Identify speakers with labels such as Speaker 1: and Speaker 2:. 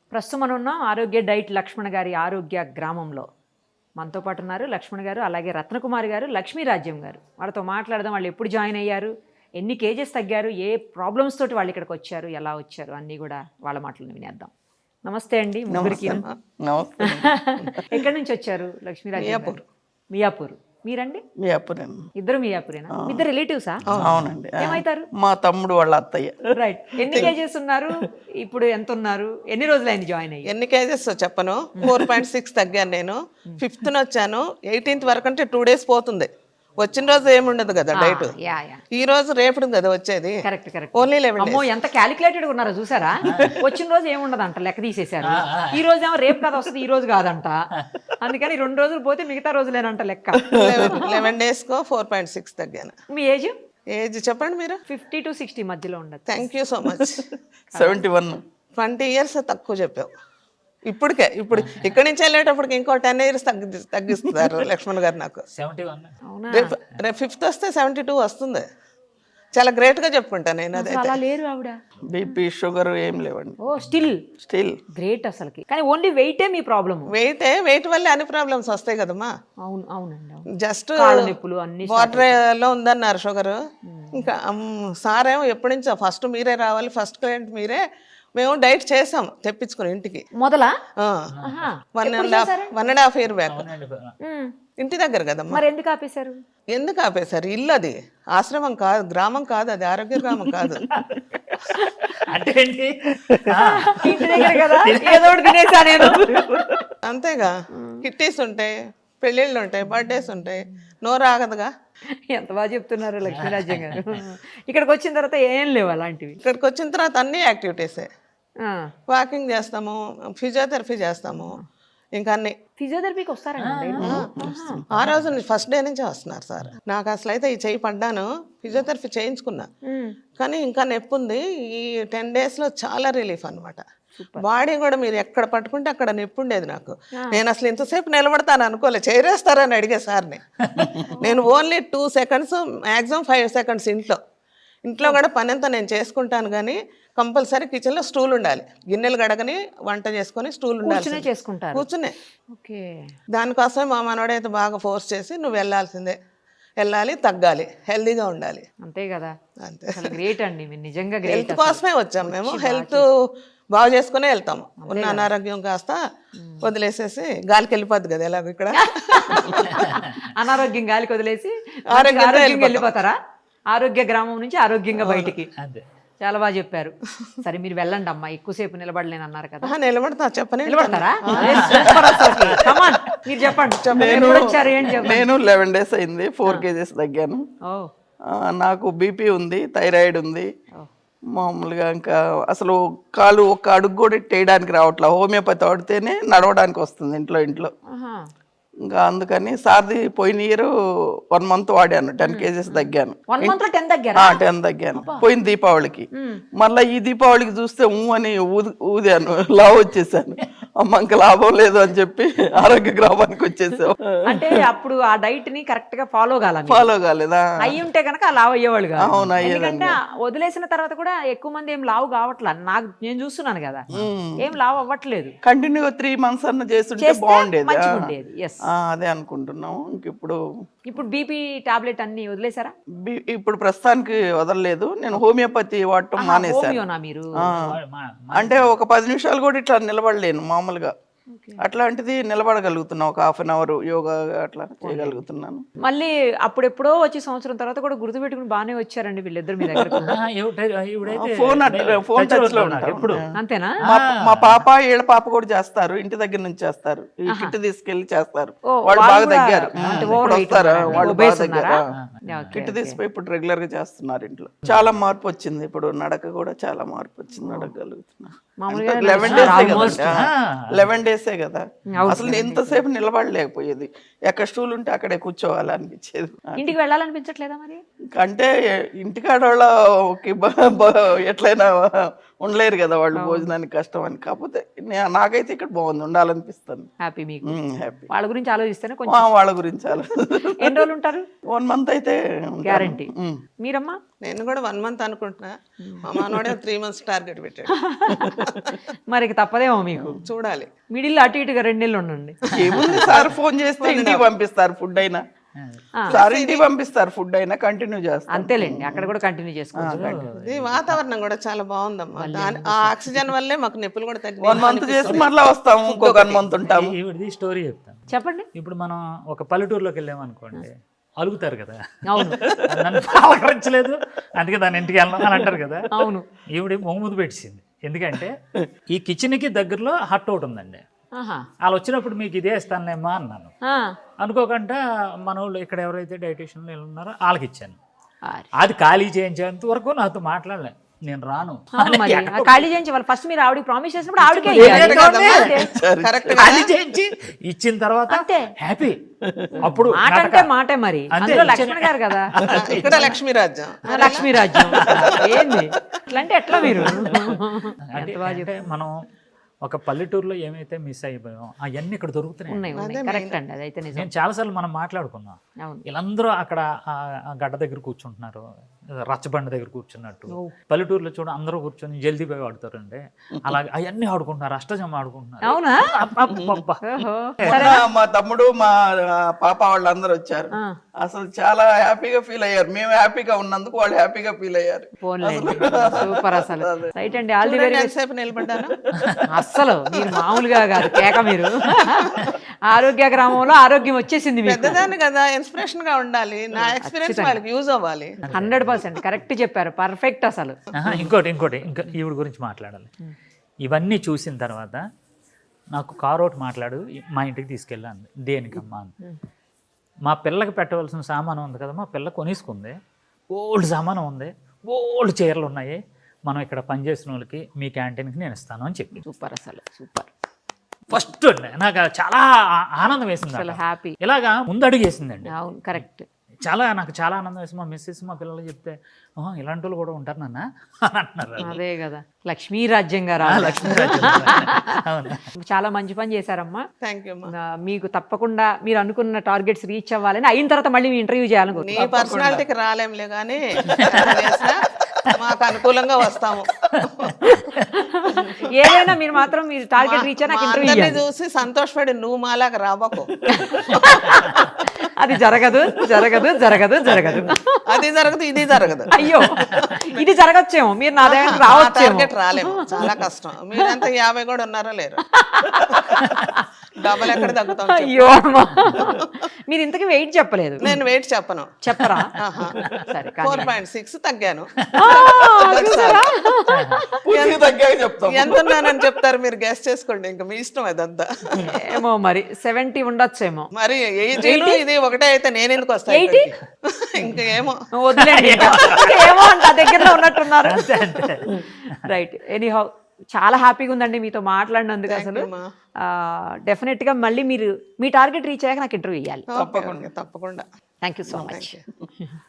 Speaker 1: ప్రస్తుతం మనం ఉన్నాం ఆరోగ్య డైట్ లక్ష్మణ్ గారి ఆరోగ్య గ్రామంలో. మనతో పాటు ఉన్నారు లక్ష్మణ్ గారు, అలాగే రత్నకుమారి గారు, లక్ష్మీరాజ్యం గారు. వాళ్ళతో మాట్లాడదాం. వాళ్ళు ఎప్పుడు జాయిన్ అయ్యారు, ఎన్ని కేజెస్ తగ్గారు, ఏ ప్రాబ్లమ్స్ తోటి వాళ్ళు ఇక్కడికి వచ్చారు, ఎలా వచ్చారు, అన్నీ కూడా వాళ్ళ మాటలను వినేద్దాం. నమస్తే అండి ముగ్గురికి. ఎక్కడి నుంచి వచ్చారు లక్ష్మీరాజ్యం గారు? మియాపూర్. మీరండి?
Speaker 2: మియాపూర్.
Speaker 1: ఇద్దరు మియాపూరేనా? ఇద్దరు రిలేటివ్సా?
Speaker 2: అవునండి.
Speaker 1: ఏమైతారు?
Speaker 2: మా తమ్ముడు వాళ్ళ అత్తయ్య.
Speaker 1: రైట్. ఎన్ని కేజెస్ ఉన్నారు ఇప్పుడు? ఎంత ఉన్నారు? ఎన్ని రోజులు అయింది జాయిన్ అయ్యి?
Speaker 3: ఎన్ని కేజెస్ చెప్పను. 4.6 తగ్గాను నేను. 5th వచ్చాను. 18th వరకు అంటే 2 days పోతుంది. వచ్చిన రోజు ఏముండదు కదా డైట్. ఈ రోజు రేపు కదా వచ్చేది.
Speaker 1: Correct correct.
Speaker 3: Only 11 days.
Speaker 1: అమ్మో ఎంత క్యాలిక్యులేటెడ్ ఉన్నారో చూసారా. వచ్చిన రోజు ఏముండదంట, లెక్క తీసేశారు. ఈ రోజు ఏమో రేపు కాదు వస్తుంది, ఈ రోజు కాదంట. అందుకని 2 రోజులు పోతే మిగతా రోజులేనంట లెక్క.
Speaker 3: 11 days కో 4.6 తగ్గాను.
Speaker 1: మీ ఏజ్?
Speaker 3: ఏజ్ చెప్పండి మీరు.
Speaker 1: 50 to 60 మధ్యలో ఉండదు.
Speaker 3: Thank you so much.
Speaker 2: 71.
Speaker 3: 20 years తక్కువ చెప్పావు. ఇప్పుడు ఇక్కడి నుంచి వెళ్ళేటప్పటికి ఇంకో 10 years తగ్గిస్తారు లక్ష్మణ్ గారు నాకు.
Speaker 4: 71.
Speaker 1: అవునా?
Speaker 3: రేపు 5th వస్తే 72 వస్తుంది. చాలా గ్రేట్ గా చెప్పుకుంటాను నేను. అదే
Speaker 1: అలా లేరు ఆవిడ.
Speaker 2: బీపీ షుగర్ ఏం లేవండి.
Speaker 1: ఓ స్టిల్
Speaker 2: గ్రేట్
Speaker 1: అసలుకి. కానీ ఓన్లీ వెయిటే మీ ప్రాబ్లమ్.
Speaker 3: వెయిట్ వల్ల అన్ని ప్రాబ్లమ్స్ వస్తాయి కదమ్మా.
Speaker 1: అవునండి.
Speaker 3: జస్ట్
Speaker 1: నొప్పులు అన్ని
Speaker 3: వాటర్ లో ఉందన్నారు షుగర్. ఇంకా సార్ ఏమో ఎప్పటి నుంచో ఫస్ట్ మీరే రావాలి, ఫస్ట్ క్లయింట్ మీరే. మేము డైట్ చేసాం తెప్పించుకుని ఇంటికి.
Speaker 1: మొదలా
Speaker 3: 1.5 year బ్యాక్. ఇంటి దగ్గర కదమ్మా.
Speaker 1: మరి ఎందుకు ఆపేశారు?
Speaker 3: ఎందుకు ఆపేశారు? ఇల్లు అది, ఆశ్రమం కాదు, గ్రామం కాదు, అది ఆరోగ్య గ్రామం కాదు.
Speaker 4: అంటే ఏంటి?
Speaker 1: ఇంటి దగ్గర కదా, ఏదో ఒకటి తినేసా నేను.
Speaker 3: అంతేగా. కిట్టీస్ ఉంటాయి, పెళ్ళిళ్ళు ఉంటాయి, బర్త్డేస్ ఉంటాయి, నోరు ఆగదుగా.
Speaker 1: ఎంత బాగా చెప్తున్నారు లక్ష్మీరాజ్యం గారు. ఇక్కడికి వచ్చిన తర్వాత ఏం లేవు అలాంటివి.
Speaker 3: ఇక్కడికి వచ్చిన తర్వాత అన్ని యాక్టివిటీసే. వాకింగ్ చేస్తాము, ఫిజియోథెరపీ చేస్తాము, ఇంకా అన్ని.
Speaker 1: ఫిజియోథెరపీకి వస్తారండి?
Speaker 3: ఆ రోజు నుంచి ఫస్ట్ డే నుంచే వస్తున్నారు సార్. నాకు అసలు అయితే ఈ చెయ్యి పడ్డాను, ఫిజియోథెరపీ చేయించుకున్నా, కానీ ఇంకా నొప్పి ఉంది. ఈ 10 days లో చాలా రిలీఫ్ అనమాట. బాడీ కూడా మీరు ఎక్కడ పట్టుకుంటే అక్కడ నొప్పి ఉండేది నాకు. నేను అసలు ఇంతసేపు నిలబడతాను అనుకోలే, చేరేస్తారని అడిగే సార్ని. నేను ఓన్లీ 2 seconds, మ్యాక్సిమం 5 seconds ఇంట్లో కూడా పని అంతా నేను చేసుకుంటాను, కానీ కంపల్సరీ కిచెన్లో స్టూల్ ఉండాలి. గిన్నెలు గడగని వంట చేసుకొని స్టూల్ ఉండాలి.
Speaker 1: చేసుకుంటారు
Speaker 3: కూర్చునే. దానికోసమే మా మనోడైతే బాగా ఫోర్స్ చేసి నువ్వు వెళ్ళాల్సిందే, వెళ్ళాలి, తగ్గాలి, హెల్దీగా ఉండాలి.
Speaker 1: అంతే కదా.
Speaker 3: అంతే.
Speaker 1: గ్రేట్ అండి మీరు, నిజంగా గ్రేట్.
Speaker 3: హెల్త్ కోసమే వచ్చాం మేము. హెల్త్ బాగు చేసుకునే వెళ్తాము. ఉన్న అనారోగ్యం కాస్త వదిలేసేసి గాలికి వెళ్ళిపోద్ది కదా ఎలాగో ఇక్కడ.
Speaker 1: అనారోగ్యం గాలికి వదిలేసి
Speaker 3: ఆరోగ్యంగా
Speaker 1: వెళ్ళిపోతారా? ఆరోగ్య గ్రామం నుంచి ఆరోగ్యంగా బయటికి. చాలా బాగా చెప్పారు. సరే మీరు వెళ్ళండి అమ్మా, ఎక్కువసేపు నిలబడలేను అన్నారు కదా.
Speaker 3: నిలబడతా చెప్పండి.
Speaker 1: నిలబడతారా? మీరు చెప్పండి.
Speaker 2: నేను 11 days అయింది, 4 kgs తగ్గాను. నాకు బీపీ ఉంది, థైరాయిడ్ ఉంది. మామూలుగా ఇంకా అసలు కాలు ఒక్క అడుగు కూడా వేయడానికి రావట్లా. హోమియోపతి వాడితేనే నడవడానికి వస్తుంది ఇంట్లో. ఇంకా అందుకని సార్ది పోయిన ఇయర్ 1 month వాడాను, 10 kgs తగ్గాను. 10 తగ్గాను పోయిన దీపావళికి. మళ్ళీ ఈ దీపావళికి చూస్తే అని ఊదాను, లావు వచ్చేసాను. అమ్మ ఇంకా లాభం లేదు అని చెప్పి ఆరోగ్య గ్రామానికి వచ్చేసాం.
Speaker 1: అంటే అప్పుడు ఆ డైట్ ని కరెక్ట్ గా ఫాలో
Speaker 2: కాలేదా?
Speaker 1: అయ్యి ఉంటే కనుక లావు అయ్యేవాళ్ళు కాదు.
Speaker 2: అవును,
Speaker 1: ఎందుకంటే వదిలేసిన తర్వాత కూడా ఎక్కువ మంది ఏం లావు కావట్లా. నేను చూస్తున్నాను కదా, ఏం లావు అవ్వట్లేదు.
Speaker 2: కంటిన్యూగా 3 months అన్న చేస్తుంటే బాగుండేది. అదే అనుకుంటున్నాము. ఇప్పుడు
Speaker 1: బీపీ టాబ్లెట్ అన్ని వదిలేసారా?
Speaker 2: ఇప్పుడు ప్రస్తుతానికి వదలలేదు. నేను హోమియోపతి వాడటం మానేశాను.
Speaker 1: మీరు
Speaker 2: అంటే ఒక 10 నిమిషాలు కూడా ఇట్లా నిలబడలేను మామూలుగా. అట్లాంటిది నిలబడగలుగుతున్నా, ఒక 1/2 hour యోగా అట్లా చేయగలుగుతున్నాను.
Speaker 1: మళ్ళీ అప్పుడెప్పుడో వచ్చి సంవత్సరం తర్వాత కూడా గుర్తుపెట్టుకుని బాగానే వచ్చారండి వీళ్ళిద్దరు మీ దగ్గర.
Speaker 2: ఫోన్ టచ్ లో ఉంటారు.
Speaker 1: అంతేనా?
Speaker 2: మా పాప వీళ్ళ పాప కూడా చేస్తారు, ఇంటి దగ్గర నుంచి చేస్తారు. ఈ కిట్ తీసుకెళ్లి చేస్తారు. వాళ్ళు బాగా తగ్గారు. వస్తారా వాళ్ళు బాగా తగ్గారు. కిట్ తీసుకుపోయి ఇప్పుడు రెగ్యులర్ గా చేస్తున్నారు ఇంట్లో. చాలా మార్పు వచ్చింది. ఇప్పుడు నడక కూడా చాలా మార్పు వచ్చింది, నడకగలుగుతున్నా. 11 days కదా. అసలు ఎంతసేపు నిలబడలేకపోయేది. ఎక్కడ స్టూల్ ఉంటే అక్కడే కూర్చోవాలనిపించేది.
Speaker 1: ఇంటికి వెళ్ళాలనిపించట్లేదా మరి?
Speaker 2: అంటే ఇంటికాడ వాళ్ళకి ఎట్లయినా ఉండలేరు కదా వాళ్ళు, భోజనానికి కష్టం అని. కాకపోతే నాకైతే ఇక్కడ బాగుంది, ఉండాలనిపిస్తుంది.
Speaker 1: హ్యాపీ మీకు
Speaker 2: హ్యాపీ.
Speaker 1: వాళ్ళ గురించి ఆలోచిస్తేనే కొంచెం.
Speaker 2: వాళ్ళ గురించి చాలా.
Speaker 1: ఎన్ని రోజులు ఉంటారు?
Speaker 2: 1 month అయితే
Speaker 1: గ్యారంటీ. మీరమ్మా?
Speaker 3: నేను కూడా 1 month అనుకుంటున్నా, మా మనోడే 3 months టార్గెట్ పెట్టాడు.
Speaker 1: మరి తప్పదేమో మీకు.
Speaker 3: చూడాలి.
Speaker 1: మిడిల్ అటు ఇటుగా 2 నెలలు ఉండండి.
Speaker 2: ఏముంది సార్, ఫోన్ చేస్తే ఇంటికి పంపిస్తారు ఫుడ్ అయినా. సార్ ఇంటికి పంపిస్తారు ఫుడ్ అయినా, కంటిన్యూ చేస్తారు.
Speaker 1: అంతేలేండి, అక్కడ కూడా కంటిన్యూ చేసుకోవచ్చు.
Speaker 3: ఇది వాతావరణం కూడా చాలా బాగుందమ్మా. ఆ ఆక్సిజన్ వల్లే మాకు నొప్పులు కూడా తగ్గి
Speaker 2: 1 month చేసి మళ్ళీ వస్తాము, ఇంకొక 1 month ఉంటాము.
Speaker 4: ఈవిడది స్టోరీ చెప్తాను.
Speaker 1: చెప్పండి.
Speaker 4: ఇప్పుడు మనం ఒక పల్లెటూరులోకి వెళ్ళామనుకోండి, అలుగుతారు కదా,
Speaker 1: అవును
Speaker 4: నన్ను పలకరించలేదు అందుకే దాని ఇంటికి వెళ్ళాం అని అంటారు కదా.
Speaker 1: అవును.
Speaker 4: ఈవిడ మొహమ్మద్ పెట్టింది. ఎందుకంటే ఈ కిచెన్కి దగ్గరలో హట్ ఒకటి ఉందండి.
Speaker 1: ఆహా.
Speaker 4: వాళ్ళు వచ్చినప్పుడు మీకు ఇదే ఇస్తానేమ్మా అన్నాను. అనుకోకుండా మన వాళ్ళు ఇక్కడ ఎవరైతే డైటీషియన్లు ఉన్నారో వాళ్ళకి ఇచ్చాను. అది ఖాళీ చేయించేంత వరకు నాతో మాట్లాడలే, నేను రాను.
Speaker 1: మరి ఖాళీ చేయించి వాళ్ళు ఫస్ట్ మీరు ఆవిడకి ప్రామిస్ చేసినప్పుడు ఆవిడకే
Speaker 3: కరెక్ట్.
Speaker 4: ఖాళీ చేయించి ఇచ్చిన తర్వాత హ్యాపీ. అప్పుడు
Speaker 1: మాట అంటే మాటే. మరి అందులో లక్ష్మణ్ గారు కదా,
Speaker 3: ఇక్కడ లక్ష్మీ రాజ్యం.
Speaker 1: లక్ష్మీ రాజ్యం ఏంది ఇట్లా అంటే ఎట్లా మీరు?
Speaker 4: అంటే మనం ఒక పల్లెటూరులో ఏమైతే మిస్ అయిపోయామో అవన్నీ ఇక్కడ దొరుకుతున్నాయి.
Speaker 1: కరెక్ట్ అండి, అదైతే నిజం.
Speaker 4: నేను చాలాసార్లు మనం మాట్లాడుకున్నాం, వీళ్ళందరూ అక్కడ ఆ గడ్డ దగ్గర కూర్చుంటున్నారు, రచ్చబండ దగ్గర కూర్చున్నట్టు. పల్లెటూరులో చూడ అందరూ కూర్చొని జల్దీ పోయి ఆడుతారండి, అలాగే అవన్నీ ఆడుకుంటున్నారు, అష్టజమ ఆడుకుంటున్నారు.
Speaker 1: అవునా?
Speaker 2: మా తమ్ముడు మా పాప వాళ్ళందరూ వచ్చారు, అసలు చాలా హ్యాపీగా ఫీల్ అయ్యారు. మేము హ్యాపీగా ఉన్నందుకు వాళ్ళు హ్యాపీగా ఫీల్ అయ్యారు.
Speaker 1: సూపర్ అసలు. రైట్ అండి, ఆల్ ది వెరీ బెస్ట్.
Speaker 3: సేపు నిలబడ్డాను
Speaker 1: అస్సలు మీరు మామూలుగా కాదు కేక. మీరు ఆరోగ్య గ్రామంలో ఆరోగ్యం వచ్చేసింది మీకు.
Speaker 3: పెద్దదాన్ని కదా, ఇన్స్పిరేషన్ గా ఉండాలి. నా ఎక్స్పీరియన్స్ వాళ్ళకి యూజ్ అవ్వాలి.
Speaker 1: 100% కరెక్ట్ చెప్పారు, పర్ఫెక్ట్ అసలు.
Speaker 4: ఇంకోటి ఇంకా ఈవిడ గురించి మాట్లాడాలి. ఇవన్నీ చూసిన తర్వాత నాకు కారు ఒకటి మాట్లాడు, మా ఇంటికి తీసుకెళ్ళాను. దేనికమ్మా అని. మా పిల్లకి పెట్టవలసిన సామానం ఉంది కదా, మా పిల్ల కొనేసుకుంది. ఓల్డ్ సామానం ఉంది, ఓల్డ్ చీరలు ఉన్నాయి, మనం ఇక్కడ పనిచేసిన వాళ్ళకి మీ క్యాంటీన్కి నేను ఇస్తాను అని చెప్పి.
Speaker 1: సూపర్ అసలు, సూపర్.
Speaker 4: ఫస్ట్ నాకు చాలా ఆనందం వేసింది,
Speaker 1: అసలు హ్యాపీ.
Speaker 4: ఇలాగా ముందు అడుగు వేసిందండి.
Speaker 1: అవును, కరెక్ట్.
Speaker 4: నాకు చాలా ఆనందం వేసింది. మా మిస్సెస్ మా పిల్లలు చెప్తే ఇలాంటి వాళ్ళు కూడా ఉంటారు నాన్న అని అంటున్నారు.
Speaker 1: అదే కదా, లక్ష్మీ రాజ్యం గారు. చాలా మంచి పని చేశారమ్మా.
Speaker 3: Thank you.
Speaker 1: మీకు తప్పకుండా మీరు అనుకున్న టార్గెట్స్ రీచ్ అవ్వాలని, అయిన తర్వాత మళ్ళీ మీ ఇంటర్వ్యూ చేయాలని.
Speaker 3: నీ పర్సనాలిటీకి రాలేంలే కానీ మాకు అనుకూలంగా వస్తాము.
Speaker 1: ఏదైనా మీరు మాత్రం మీరు టార్గెట్ రీచ్ నాకు ఇంటర్వ్యూ
Speaker 3: చూసి సంతోషపడి నువ్వు మాలాగా రాబోకు.
Speaker 1: అది జరగదు జరగదు జరగదు జరగదు,
Speaker 3: అది జరగదు, ఇది జరగదు.
Speaker 1: అయ్యో, ఇది జరగచ్చేమో, మీరు నా దగ్గర రావచ్చు.
Speaker 3: రాలేము, చాలా కష్టం. మీరంతా 50 కూడా ఉన్నారో లేరు, డబల్ ఎక్కడ తగ్గుతాం.
Speaker 1: అయ్యో అమ్మా, మీరు ఇంతకీ వెయిట్ చెప్పలేదు.
Speaker 3: నేను వెయిట్ చెప్పను.
Speaker 1: చెప్పరా? సరే,
Speaker 3: 4.6 తగ్గాను. ఎంత ఉన్నానని చెప్తారు మీరు, గెస్ చేసుకోండి. ఇంకా మీ ఇష్టం అదంతా.
Speaker 1: ఏమో మరి 70 ఉండొచ్చేమో.
Speaker 3: మరి ఇది ఒకటే అయితే నేను ఎందుకు వస్తాను?
Speaker 1: 80?
Speaker 3: ఇంకా ఏమో
Speaker 1: వదిలేండి, ఏమో అంట దగ్గరలో ఉన్నట్టున్నారు. రైట్, ఎనీహౌ చాలా హ్యాపీగా ఉందండి మీతో మాట్లాడినందుకు. అసలు డెఫినెట్ గా మళ్ళీ మీరు మీ టార్గెట్ రీచ్ అయ్యాక నాకు ఇంటర్వ్యూ ఇవ్వాలి.
Speaker 3: తప్పకుండా.
Speaker 1: Thank you so much.